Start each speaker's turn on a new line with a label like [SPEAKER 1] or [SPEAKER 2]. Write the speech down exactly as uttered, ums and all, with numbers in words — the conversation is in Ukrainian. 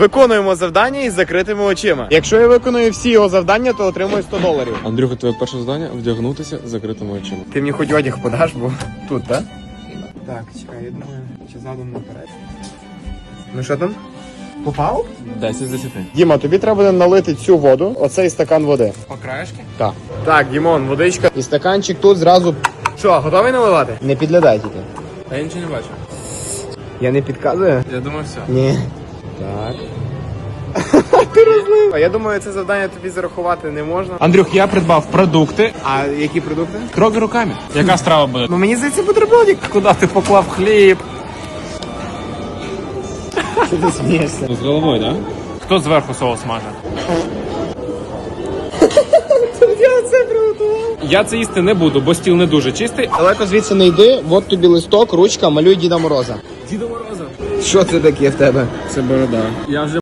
[SPEAKER 1] Виконуємо завдання із закритими очима. Якщо я виконую всі його завдання, то отримую сто доларів.
[SPEAKER 2] Андрюха, твоє перше завдання – вдягнутися з закритими очима.
[SPEAKER 1] Ти мені хоч одяг подаш, бо тут, так? Так, чекай, я думаю, чи задом наперед. Ну що там? Попав?
[SPEAKER 2] десять з десяти.
[SPEAKER 1] Діма, тобі треба буде налити цю воду, оцей стакан води.
[SPEAKER 2] По краєшки?
[SPEAKER 1] Так. Так, Дімон, водичка. І стаканчик тут зразу. Що, готовий наливати? Не підглядай тільки.
[SPEAKER 2] А я нічого не бачу.
[SPEAKER 1] Я не підказую?
[SPEAKER 2] Я думаю, все.
[SPEAKER 1] Ні. Так. Ти розлив. Я думаю, це завдання тобі зарахувати не можна.
[SPEAKER 3] Андрюх, я придбав продукти.
[SPEAKER 1] А які продукти?
[SPEAKER 3] Трогай руками. Яка страва буде?
[SPEAKER 1] Ну мені здається, бутербродик.
[SPEAKER 3] Куди ти поклав хліб?
[SPEAKER 1] Що ти смієшся?
[SPEAKER 2] З головою, так?
[SPEAKER 3] Хто зверху соус маже?
[SPEAKER 1] Я це приготував.
[SPEAKER 3] Я це їсти не буду, бо стіл не дуже чистий.
[SPEAKER 1] Далеко звідси не йди, от тобі листок, ручка, малюй Діда Мороза.
[SPEAKER 3] Діда Мороза.
[SPEAKER 1] Що це таке в тебе?
[SPEAKER 2] Це борода. Я вже